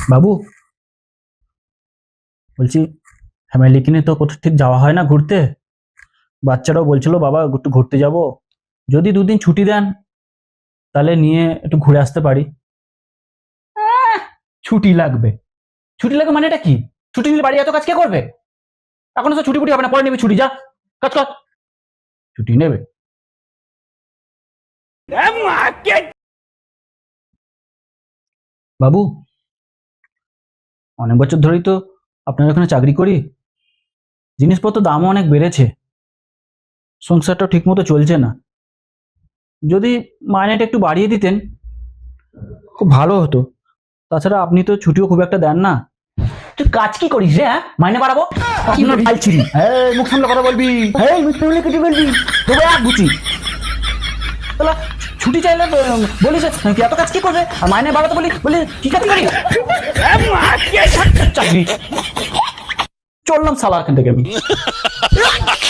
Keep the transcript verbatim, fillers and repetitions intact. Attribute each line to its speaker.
Speaker 1: বাবু, বলছি ফ্যামিলিকে নিয়ে তো কোথাও ঠিক যাওয়া হয় না ঘুরতে। বাচ্চারাও বলছিল বাবা একটু ঘুরতে যাব, যদি দুদিন ছুটি দেন তাহলে নিয়ে একটু ঘুরে আসতে পারি। আহ, ছুটি লাগবে? ছুটি লাগবে মানে এটা কি? ছুটি নিলে বাড়ি এত কাজ কে করবে? এখন তো ছুটি ফুটি হবে না, পরে নেবে ছুটি, যা কাজ কর। ছুটি নেবে? বাবু, অনেক বছর ধরেই তো আপনার ওখানে চাকরি করি, জিনিসপত্র দামও অনেক বেড়েছে, সংসারটাও ঠিক মতো চলছে না। যদি মাইনেটা একটু বাড়িয়ে দিতেন খুব ভালো হতো। তাছাড়া আপনি তো ছুটিও খুব একটা দেন না। তুই কাজ কি করিস রে? হ্যাঁ, মাইনে বাড়াবো? আপনার ভাই ছিলি, হ্যাঁ মুখ সামলে কথা বলবি, হ্যাঁ মুখ সামলে কেটে বলবি, দেবো এক গুচি। তাহলে ছুটি চাইলে তো বলিস কি এত কাজ কি করবে, আর মাইনে বাড়াতে বলি বলি কি কাজ করি? চাকরি চললাম সালা এখান থেকে আমি।